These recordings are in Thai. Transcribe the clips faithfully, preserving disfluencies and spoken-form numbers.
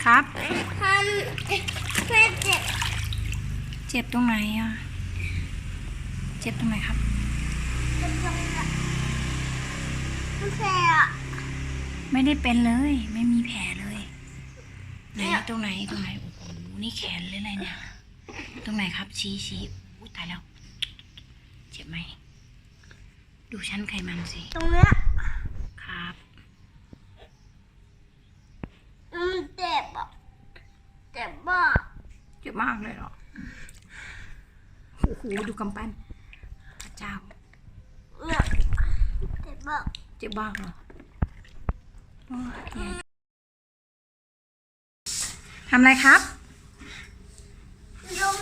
ครับทำแม่เจ็บเจ็บตรงไหนอ่ะเจ็บตรงไหนครับเจ็บตรงนี้มันแผลอ่ะไม่ได้เป็นเลยไม่มีแผลเลยไหนตรงไหนตรงไหนโอ้โหนี่แขนเลยอะไรเนี่ยตรงไหนครับชี้ชี้อุ้ยตายแล้วเจ็บไหมดูชั้นไขมันสิตรงเนี้ยครับมันเจ็บอ่ะเจ็บมากเจ็บมากเลยเหรอโอ้โหดูกำปั้นพระเจ้าเนี่ยเจ็บมากเจ็บบ้างเหรอทำอะไรครับลม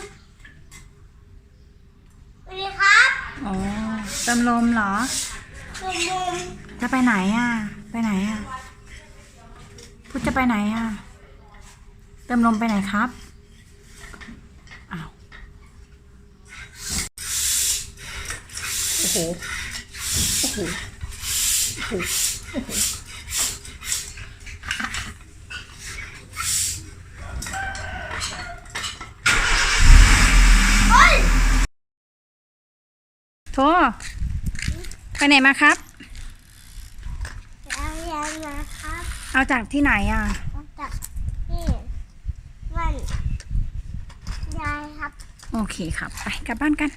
สวัสดีครับอ๋อเติมลมเหรอเติมลมจะไปไหนอ่ะไปไหนอ่ะพุทธจะไปไหนอ่ะเติมลมไปไหนครับอ้าวโอ้โหโอ้โหโอ้โหโอ้โหโทไปไหนมาครับเอาอย่างมาครับเอาจากที่ไหนอ่ะเอาจากที่บ้านยายครับโอเคครับไปกลับบ้านกัน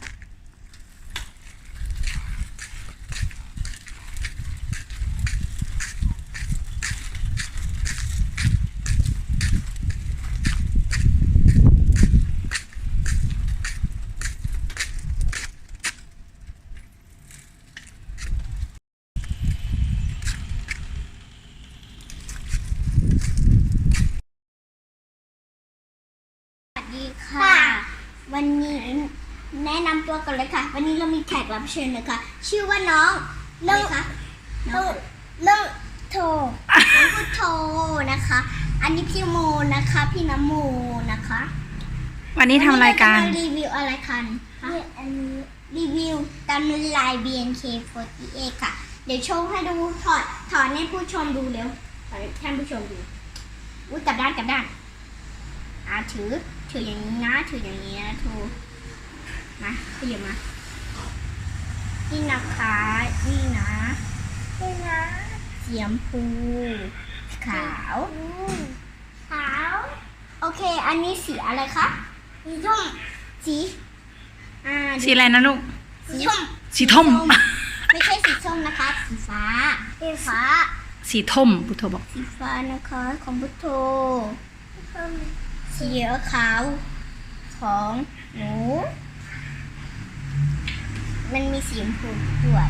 สวัสดีค่ะวันนี้แนะนำตัวกันเลยค่ะวันนี้เรามีแขกรับเชิญนะคะชื่อว่าน้องเรื่องคะน้องเรื่องโทน้องพุทโธนะคะอันนี้พี่โมนะคะพี่น้ำโมนะคะวันนี้ทำรายการรีวิวอะไรกันคะอันนี้รีวิวตามลาย บี เอ็น เค สี่สิบแปด ค่ะเดี๋ยวโชว์ให้ดูถอดถอดให้ผู้ชมดูเร็วถอดให้ท่านผู้ชมดูอุ้ยกลับด้านกลับด้านอ่าถือถืออย่างนี้นะถืออย่างนี้นะทูมาขยับมานี่นะคะนี่นะนี่นะสีชมพูขาวขาวโอเคอันนี้สีอะไรคะสีส้มสีอ่าสีอะไรนะลูกสีส้มสีท่มไม่ใช่สีส้มนะคะสีฟ้าสีฟ้าสีท่มพุทโธบอกสีฟ้านะคะของพุทโธสีขาวของหนูมันมีสีชมพูด้วย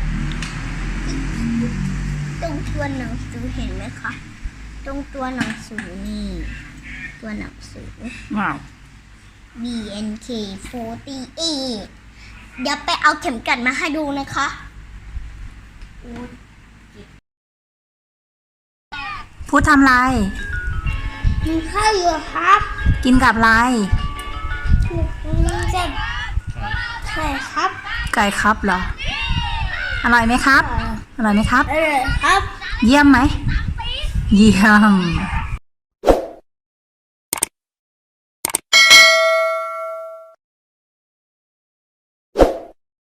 ตรงตัวหนังสือเห็นไหมคะตรงตัวหนังสือนี่ตัวหนังสือว้าวบี เอ็น เค สี่สิบแปด เดี๋ยวไปเอาเข็มกลัดมาให้ดูนะคะพูดทำไรกินข้าวอยู่ครับกินกับอะไรจะไก่ครับไก่ครับเหรออร่อยไหมครับอร่อยไหมครับเออครับเยี่ยมไหมเยี่ยม